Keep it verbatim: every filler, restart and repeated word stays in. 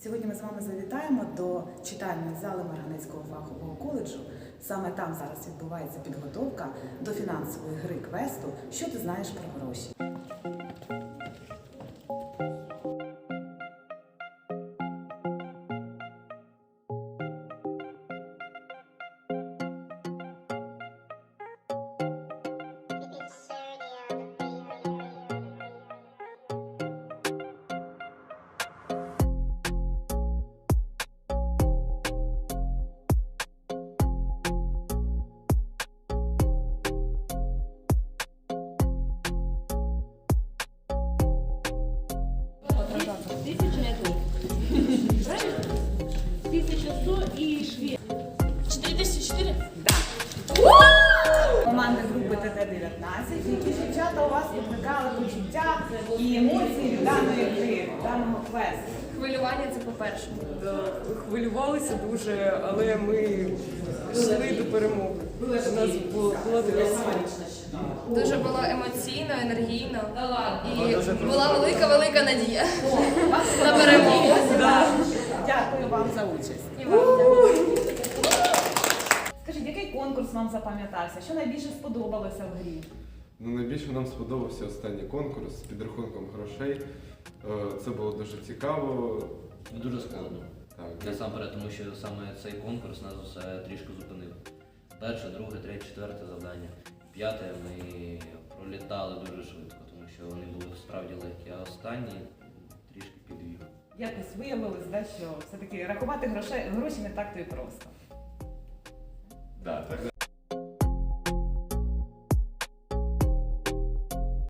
Сьогодні ми з вами завітаємо до читальної зали Марганецького фахового коледжу. Саме там зараз відбувається підготовка до фінансової гри квесту «Що ти знаєш про гроші?». Тысяча это. Правильно? Тысяча сто и швед. Четыре тысячи четыре? Да. Команди групи Т Т дев'ятнадцять, які дівчата у вас викликали почуття і емоції від даної гри, даного квесту. Хвилювання це по-перше. Да, хвилювалися дуже, але ми йшли до перемоги. У нас було була така сила. Дуже було емоційно, енергійно і була велика-велика надія на перемогу. Дякую вам за участь. І вам. Скажіть, який конкурс вам запам'ятався? Що найбільше сподобалося в грі? Ну, найбільше нам сподобався останній конкурс з підрахунком грошей. Е, Це було дуже цікаво. Дуже складно. Так, Насамперед, тому що саме цей конкурс нас усе трішки зупинив. Перше, друге, третє, четверте завдання. П'яте ми пролітали дуже швидко, тому що вони були справді легкі, а останні трішки підвів. Якось виявилось, да, що все-таки рахувати гроші, гроші не так то і просто.